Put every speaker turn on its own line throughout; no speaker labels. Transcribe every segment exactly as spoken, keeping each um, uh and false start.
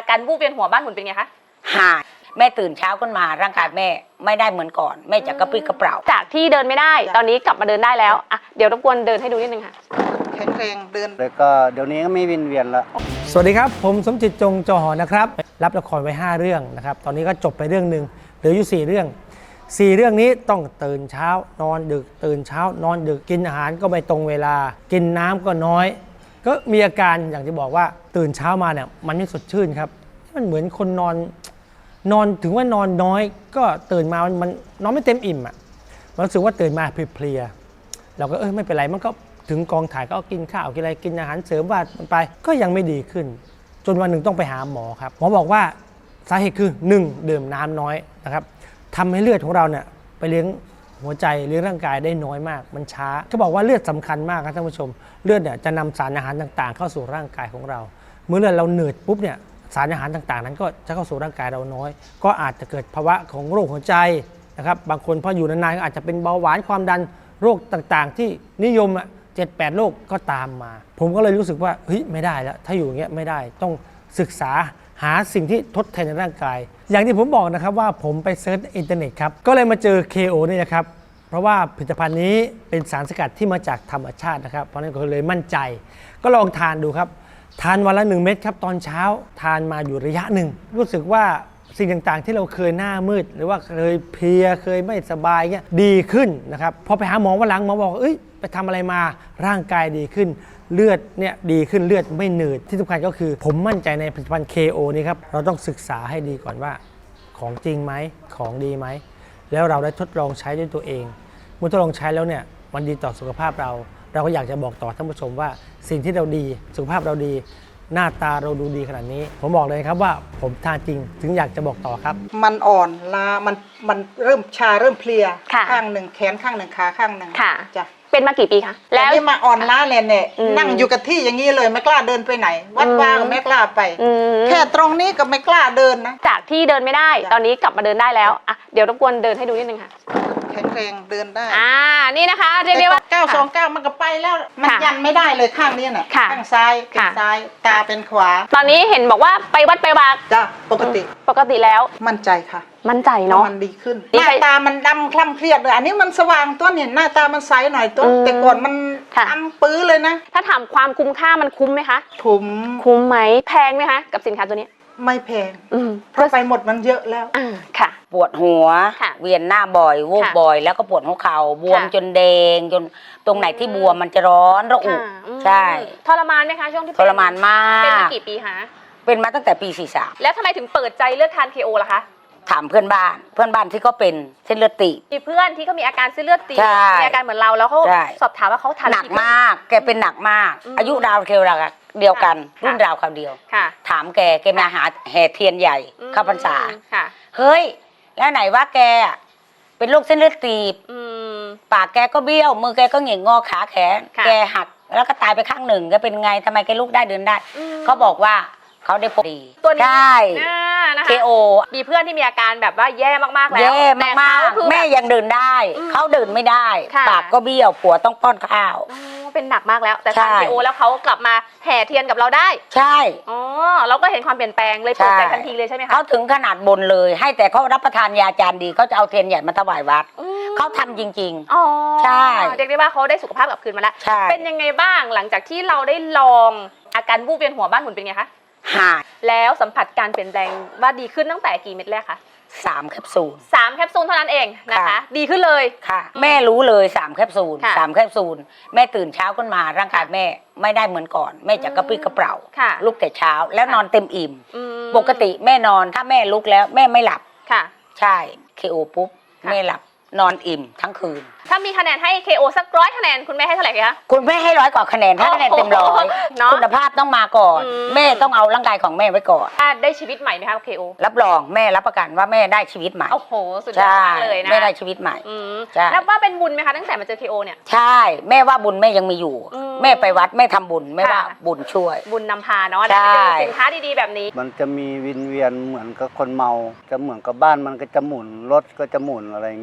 การวูบเวียนหัวบ้านหมุนเป็นไงคะ
หายแม่ตื่นเช้าขึ้นมาร่างกายแม่ไม่ได้เหมือนก่อนแม่จะกระปรี้กระเปร่า
จากที่เดินไม่ได้ตอนนี้กลับมาเดินได้แล้วอ่ะเดี๋ยวรบกวนเดินให้ดูนิดนึงค่ะ
แข็งแรงเดิน
แล้วก็เดี๋ยวนี้ก็ไม่วินเวียนแล้ว
สวัสดีครับผมสมจิตจงจอหอนะครับรับละครไว้ห้าเรื่องนะครับตอนนี้ก็จบไปเรื่องหนึ่งเหลืออยู่สี่เรื่องสี่เรื่องนี้ต้องตื่นเช้านอนดึกตื่นเช้านอนดึกกินอาหารก็ไม่ตรงเวลากินน้ำก็น้อยก็มีอาการอย่างที่บอกว่าตื่นเช้ามาเนี่ยมันไม่สดชื่นครับมันเหมือนคนนอนนอนถึงว่านอนน้อยก็ตื่นมามันมันนอนไม่เต็มอิ่มอ่ะมันรู้สึกว่าตื่นมาเพลียๆเราก็เออไม่เป็นไรมันก็ถึงกองถ่ายก็กินข้าวกินอะไรกินอาหารเสริมว่ามันไปก็ยังไม่ดีขึ้นจนวันหนึ่งต้องไปหาหมอครับหมอบอกว่าสาเหตุคือหนึ่งดื่มน้ำน้อยนะครับทำให้เลือดของเราเนี่ยไปเลี้ยงหัวใจเลี้ยงร่างกายได้น้อยมากมันช้าเขาบอกว่าเลือดสำคัญมากครับท่านผู้ชมเลือดเนี่ยจะนำสารอาหารต่างๆเข้าสู่ร่างกายของเราเมื่อเลือดเราเหนื่อยปุ๊บเนี่ยสารอาหารต่างๆนั้นก็จะเข้าสู่ร่างกายเราน้อยก็อาจจะเกิดภาวะของโรคหัวใจนะครับบางคนพออยู่นานๆก็อาจจะเป็นเบาหวานความดันโรคต่างๆที่นิยมอ่ะเจ็ดแปดโรคก็ตามมาผมก็เลยรู้สึกว่าเฮ้ยไม่ได้แล้วถ้าอยู่อย่างเงี้ยไม่ได้ต้องศึกษาหาสิ่งที่ทดแทนในร่างกายอย่างที่ผมบอกนะครับว่าผมไปเซิร์ชอินเทอร์เน็ตครับก็เลยมาเจอ เค โอ นี่นะครับเพราะว่าผลิตภัณฑ์นี้เป็นสารสกัดที่มาจากธรรมชาตินะครับเพราะนั้นก็เลยมั่นใจก็ลองทานดูครับทานวันละหนึ่งเม็ดครับตอนเช้าทานมาอยู่ระยะหนึ่งรู้สึกว่าสิ่งต่างๆที่เราเคยหน้ามืดหรือว่าเคยเพลียเคยไม่สบายเงี้ยดีขึ้นนะครับพอไปหาหมอวันหลังหมอบอกเอ้ยไปทำอะไรมาร่างกายดีขึ้นเลือดเนี่ยดีขึ้นเลือดไม่หนืดที่สำคัญก็คือผมมั่นใจในผลิตภัณฑ์ เค โอ นี่ครับเราต้องศึกษาให้ดีก่อนว่าของจริงไหมของดีไหมแล้วเราได้ทดลองใช้ด้วยตัวเองเมื่อทดลองใช้แล้วเนี่ยมันดีต่อสุขภาพเราเราก็อยากจะบอกต่อท่านผู้ชมว่าสิ่งที่เราดีสุขภาพเราดีหน้าตาเราดูดีขนาดนี้ผมบอกเลยครับว่าผมทานจริงถึงอยากจะบอกต่อครับ
มันอ่อนล้ามันมันเริ่มชาเริ่มเพลียข้างหนึ่งแขนข้างหนึ่งขาข้างหนึ่ง
ค่ะ
จ้ะ
เป็นมากี่ปีคะ
แล้วนี่มาอ่อนล้าเนี่ยเนี่ยนั่งอยู่กับที่อย่างนี้เลยไม่กล้าเดินไปไหนวัดว่าก็ไม่กล้าไปแค่ตรงนี้ก็ไม่กล้าเดินนะ
จากที่เดินไม่ได้ตอนนี้กลับมาเดินได้แล้วอ่ะเดี๋ยวรบกวนเดินให้ดูนิดนึงค่ะ
แข็งแรงเดินได้
อ่านี่นะคะเรียกได้ว่า
เก้าสองเก้ามันก็ไปแล้วมันยันไม่ได้เลยข้างนี้น่ะข้างซ้ายเป็นซ้ายตาเป็นขวา
ตอนนี้เห็นบอกว่าไปวัดไปวา
จ้ะปกติ
ปกติแล้ว
มั่นใจค่ะ
มั่นใจเนาะ
มันดีขึ้นหน้าตามันดำคล้ำเครียดเลยอันนี้มันสว่างตัวเนี่ยหน้าตามันใสหน่อยตัวแต่ก่อนมันดำปื้อเลยนะ
ถ้าถามความคุ้มค่ามันคุ้มไหมคะ
คุ้ม
คุ้มไหมแพงไหมคะกับสินค้าตัวนี้
ไม่แพงเพราะไปหมดมันเยอะแล้ว
ค่ะ
ปวดหัวเวียนหน้าบ่อยวูบบ่อยแล้วก็ปวดหัวเข่าบวมจนแดงจนตรงไหนที่บวมมันจะร้อนระอุใช่
ทรมานไหมคะช่วงที่
ทรมานมาก
เป็นมากี่ปีคะ
เป็นมาตั้งแต่ปีสี่สิบสาม
แล้วทำไมถึงเปิดใจเลือกทาน เค โอ ล่ะคะ
ถามเพื่อนบ้านเพื่อนบ้านที่เขาเป็นเส้นเลือดตีบ
มีเพื่อนที่เขามีอาการเส้นเลือดตีบมีอาการเหมือนเราแล้วเขาสอบถามว่าเขาทาน
หนักมากแกเป็นหนักมากอายุราวเคียวราวเดียวกันรุ่นราวคราวเดียวถามแกแกมาหาแห่เทียนใหญ่เข้าพรรษาเฮ้ยแล้วไหนว่าแกเป็นโรคเส้นเลือดตีบปากแกก็เบี้ยวมือแกก็เหง่งงอขาแขนแกหักแล้วก็ตายไปข้างหนึ่งแกเป็นไงทำไมแกลุกได้เดินได้เขาบอกว่าเขาได้ผลดี
ตัวนี้
ใช่เคโอ
มีเพื่อนที่มีอาการแบบว่าแย่มากๆแล้ว
แย่มากๆแม่ยังเดินได้เขาเดินไม่ได้ปากก็เบี้ยวผัวต้องป้อนข้าว
เป็นหนักมากแล้วแต่ทาน เค โอ แล้วเขากลับมาแห่เทียนกับเราได้
ใช่
อ๋อเราก็เห็นความเปลี่ยนแปลงเลยเปิดใจทันทีเลยใช่ไหมคะ
เขาถึงขนาดบนเลยให้แต่เขารับประทานยาจานดีเขาจะเอาเทียนใหญ่มาถวายวัดเขาทำจริง
ๆอ๋อ
ใช่
เรียกได้ว่าเขาได้สุขภาพกลับคืนมาแล้วเป็นยังไงบ้างหลังจากที่เราได้ลองอาการวูบเวียนหัวบ้านหมุนเป็นไงคะ
หาย
แล้วสัมผัสการเปลี่ยนแปลงว่าดีขึ้นตั้งแต่กี่เม็ดแรกคะ
สามแคปซูล
สามแคปซูลเท่านั้นเองนะคะดีขึ้นเลย
ค่ะแม่รู้เลยสามแคปซูลสามแคปซูลแม่ตื่นเช้าขึ้นมาร่างกายแม่ไม่ได้เหมือนก่อนแม่จะกระปรี้กระเปร่าลุกแต่เช้าแล้วนอนเต็มอิ่มปกติแม่นอนถ้าแม่ลุกแล้วแม่ไม่หลับ
ค่ะ
ใช่ เค โอ ปุ๊บแม่หลับนอนอิ่มทั้งคืน
ถ้ามีคะแนนให้ เค โอ สักร้อยคะแนนคุณแม่ให้เท่าไหร่คะ
คุณแม่ให้ร้อยกว่าคะแนนถ้าคะแนนเต็มร้อยคุณภาพต้องมาก่อนแม่ต้องเอาร่างกายของแม่ไว้ก่อน
ได้ชีวิตใหม่ไหมคะ เค โอ
รับรองแม่รับประกันว่าแม่ได้ชีวิตใหม่
โอ้โหสุดยอดเลยนะ
แม่ได้ชีวิตใหม่
นับว่าเป็นบุญไหมคะตั้งแต่มาเจอ เค โอ เนี่ย
ใช่แม่ว่าบุญแม่ยังมีอยู่แม่ไปวัดแม่ทำบุญแม่ว่าบุญช่วย
บุญนำพาเนาะได้เจอสินค้าดีๆแบบนี้
มันจะมีวินเวียนเหมือนกับคนเมาจะเหมือนกับบ้านมันก็จะหมุนรถก็จะหมุนอะไรเงี้ย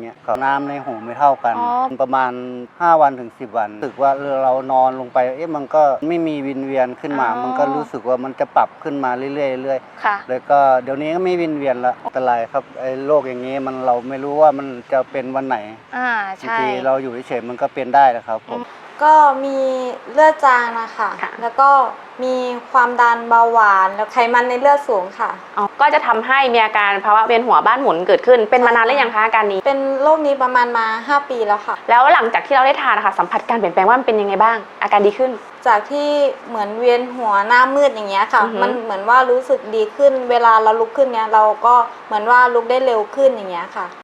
น้ำในหูไม่เท่ากัน
อ๋อ
ประมาณห้าวันถึงสิบวันรู้สึกว่าเรานอนลงไปเอ๊ะมันก็ไม่มีวินเวียนขึ้นมา
อ๋อ
มันก็รู้สึกว่ามันจะปรับขึ้นมาเรื่อยๆเรื่อย
ค่ะ
ๆแล้วก็เดี๋ยวนี้ก็ไม่วินเวียนละอันตรายครับไอ้โรคอย่างนี้มันเราไม่รู้ว่ามันจะเป็นวันไหน
อ่า
บาง
ใช่
ทีเราอยู่เฉยๆมันก็เป็นได้นะครับผม
ก็มีเลือดจางนะคะ
ค่ะ
แล้วก็มีความดันเบาหวานแล้วไขมันในเลือดสูงค่ะ
อ๋อก็จะทำให้มีอาการภาวะเวียนหัวบ้านหมุนเกิดขึ้น เป็นมานานหรือยังคะอาการนี้
เป็นโรคนี้ประมาณมาห้าปีแล้วค่ะ
แล้วหลังจากที่เราได้ทานนะคะสัมผัสการเปลี่ยนแปลงว่ามันเป็นยังไงบ้าง อาการดีขึ้น
จากที่เหมือนเวียนหัวหน้ามืดอย่างเงี้ยค่ะ
อือหือ
มันเหมือนว่ารู้สึกดีขึ้น เวลาเราลุกขึ้นเนี้ยเราก็เหมือนว่าลุกได้เร็วขึ้นอย่างเงี้ยค่ะ